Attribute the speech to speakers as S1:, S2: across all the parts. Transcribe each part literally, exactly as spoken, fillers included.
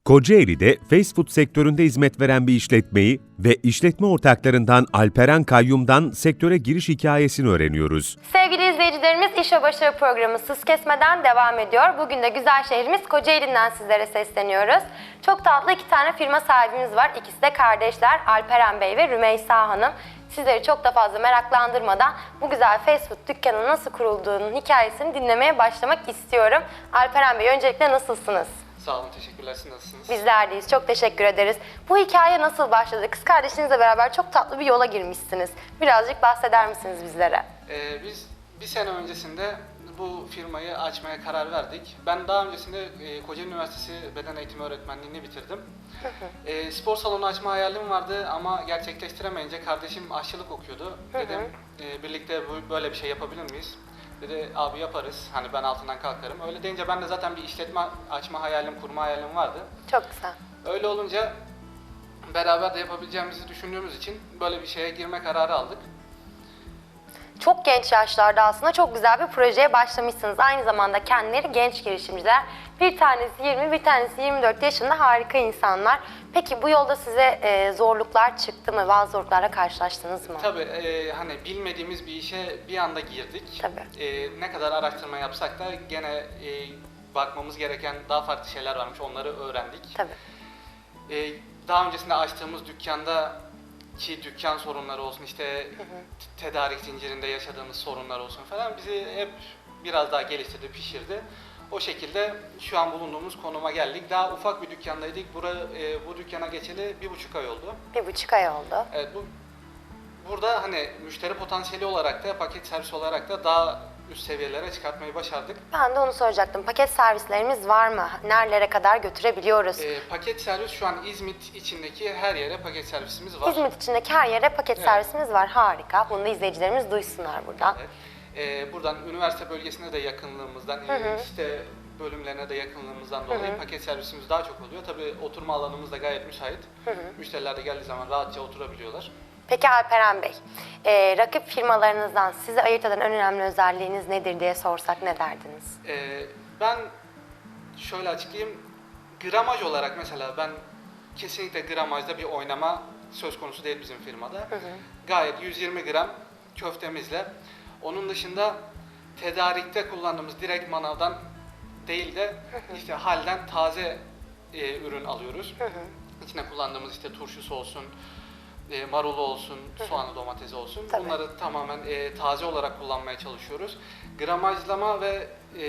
S1: Kocaeli'de fast food sektöründe hizmet veren bir işletmeyi ve işletme ortaklarından Alperen Kayyum'dan sektöre giriş hikayesini öğreniyoruz.
S2: Sevgili izleyicilerimiz, İş ve Başarı programı Sız Kesmeden devam ediyor. Bugün de güzel şehrimiz Kocaeli'nden sizlere sesleniyoruz. Çok tatlı iki tane firma sahibimiz var. İkisi de kardeşler, Alperen Bey ve Rümeysa Hanım. Sizleri çok da fazla meraklandırmadan bu güzel fast food dükkanının nasıl kurulduğunun hikayesini dinlemeye başlamak istiyorum. Alperen Bey, öncelikle nasılsınız?
S3: Sağ olun, teşekkürler. Siz nasılsınız?
S2: Bizler deyiz, çok teşekkür ederiz. Bu hikaye nasıl başladı? Kız kardeşinizle beraber çok tatlı bir yola girmişsiniz. Birazcık bahseder misiniz bizlere?
S3: Ee, biz bir sene öncesinde bu firmayı açmaya karar verdik. Ben daha öncesinde e, Kocaeli Üniversitesi Beden Eğitimi Öğretmenliğini bitirdim. e, spor salonu açma hayalim vardı ama gerçekleştiremeyince kardeşim aşçılık okuyordu. Dedim e, birlikte bu, böyle bir şey yapabilir miyiz? Dedi abi yaparız, hani ben altından kalkarım. Öyle deyince ben de zaten bir işletme açma hayalim, kurma hayalim vardı.
S2: Çok güzel.
S3: Öyle olunca beraber de yapabileceğimizi düşündüğümüz için böyle bir şeye girme kararı aldık.
S2: Çok genç yaşlarda aslında çok güzel bir projeye başlamışsınız. Aynı zamanda kendileri genç girişimciler. Bir tanesi yirmi, bir tanesi yirmi dört yaşında, harika insanlar. Peki bu yolda size e, zorluklar çıktı mı? Bazı zorluklarla karşılaştınız mı?
S3: Tabii e, hani bilmediğimiz bir işe bir anda girdik.
S2: Tabii.
S3: E, ne kadar araştırma yapsak da gene e, bakmamız gereken daha farklı şeyler varmış. Onları öğrendik.
S2: Tabii.
S3: E, daha öncesinde açtığımız dükkanda ki dükkan sorunları olsun, işte hı hı. tedarik zincirinde yaşadığımız sorunlar olsun falan bizi hep biraz daha geliştirdi, pişirdi. O şekilde şu an bulunduğumuz konuma geldik. Daha ufak bir dükkandaydık. Bura, e, bu dükkana geçeli bir buçuk ay oldu.
S2: Bir buçuk ay oldu.
S3: Evet, bu burada hani müşteri potansiyeli olarak da, paket servis olarak da daha üst seviyelere çıkartmayı başardık.
S2: Ben de onu soracaktım. Paket servislerimiz var mı? Nerelere kadar götürebiliyoruz?
S3: E, paket servis şu an İzmit içindeki her yere paket servisimiz var.
S2: İzmit içindeki her yere paket
S3: Evet.
S2: servisimiz var. Harika. Bunu da izleyicilerimiz duysunlar buradan.
S3: Evet. E, buradan üniversite bölgesine de yakınlığımızdan,
S2: Hı hı.
S3: işte bölümlerine de yakınlığımızdan dolayı
S2: Hı hı.
S3: paket servisimiz daha çok oluyor. Tabii oturma alanımız da gayet müsait.
S2: Hı hı.
S3: Müşteriler de geldiği zaman rahatça oturabiliyorlar.
S2: Peki Alperen Bey, e, rakip firmalarınızdan sizi ayırt eden en önemli özelliğiniz nedir diye sorsak ne derdiniz?
S3: E, ben şöyle açıklayayım. Gramaj olarak mesela ben kesinlikle gramajda bir oynama söz konusu değil bizim firmada. Hı hı. Gayet yüz yirmi gram köftemizle. Onun dışında tedarikte kullandığımız direkt manavdan değil de hı hı. işte halden taze e, ürün alıyoruz. Hı hı. İçine kullandığımız işte turşusu olsun, e, marulu olsun, hı hı. soğanı, domatesi olsun.
S2: Tabii.
S3: Bunları tamamen e, taze olarak kullanmaya çalışıyoruz. Gramajlama ve e,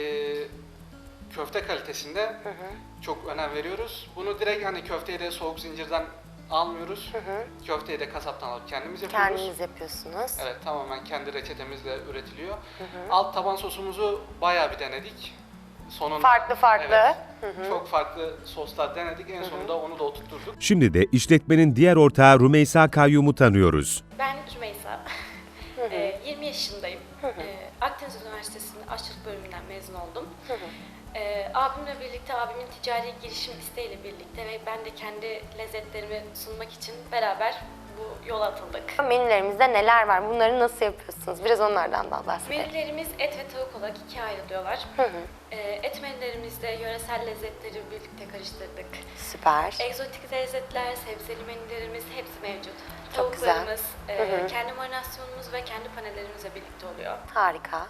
S3: köfte kalitesinde hı hı. çok önem veriyoruz. Bunu direkt hani köfteyi de soğuk zincirden almıyoruz. Hı hı. Köfteyi de kasaptan alıp kendimiz yapıyoruz.
S2: Kendiniz yapıyorsunuz.
S3: Evet, tamamen kendi reçetemizle üretiliyor. Hı hı. Alt taban sosumuzu bayağı bir denedik. Sonunda,
S2: farklı farklı.
S3: Evet,
S2: hı hı.
S3: çok farklı soslar denedik. En sonunda hı hı. onu da oturtturduk.
S1: Şimdi de işletmenin diğer ortağı Rümeysa Kayyum'u tanıyoruz.
S4: Ben Rümeysa. Hı hı. E, yirmi yaşındayım. Hı hı. E, Akdeniz Üniversitesi'nin aşçılık bölümünden mezun oldum. Hı hı. E, abimle birlikte, abimin ticari girişim isteğiyle birlikte ve ben de kendi lezzetlerimi sunmak için beraber bu yola atıldık.
S2: Menülerimizde neler var? Bunları nasıl yapıyorsunuz? Biraz onlardan da bahsedelim.
S4: Menülerimiz et ve tavuk olarak ikiye ayrılıyorlar. Hı hı. E, et menülerimizde yöresel lezzetleri birlikte karıştırdık.
S2: Süper.
S4: Egzotik lezzetler, sebzeli menülerimiz hepsi mevcut.
S2: Çok güzel.
S4: Tavuklarımız, e, kendi marinasyonumuz ve kendi panellerimizle birlikte oluyor.
S2: Harika.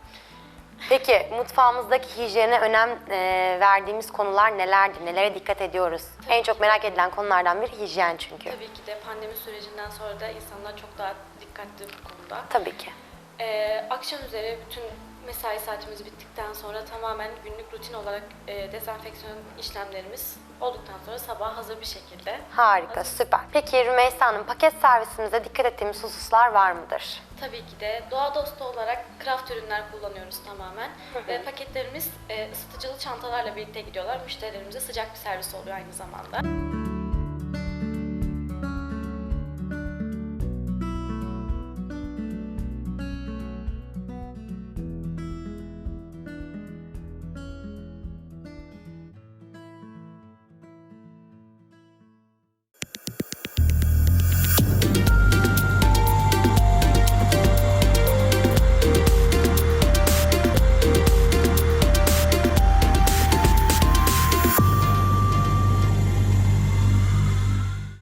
S2: Peki mutfağımızdaki hijyene önem e, verdiğimiz konular nelerdir? Nelere dikkat ediyoruz?
S4: Tabii
S2: en çok
S4: ki.
S2: merak edilen konulardan biri hijyen çünkü.
S4: Tabii ki de pandemi sürecinden sonra da insanlar çok daha dikkatli bu konuda.
S2: Tabii ki.
S4: Ee, akşam üzere bütün mesai saatimiz bittikten sonra tamamen günlük rutin olarak e, dezenfeksiyon işlemlerimiz olduktan sonra sabah hazır bir şekilde.
S2: Harika,
S4: hazır.
S2: süper. Peki Rümeysa Hanım, paket servisimizde dikkat ettiğimiz hususlar var mıdır?
S4: Tabii ki de doğa dostu olarak craft ürünler kullanıyoruz tamamen. Hı hı. Ve paketlerimiz e, ısıtıcılı çantalarla birlikte gidiyorlar. Müşterilerimize sıcak bir servis oluyor aynı zamanda.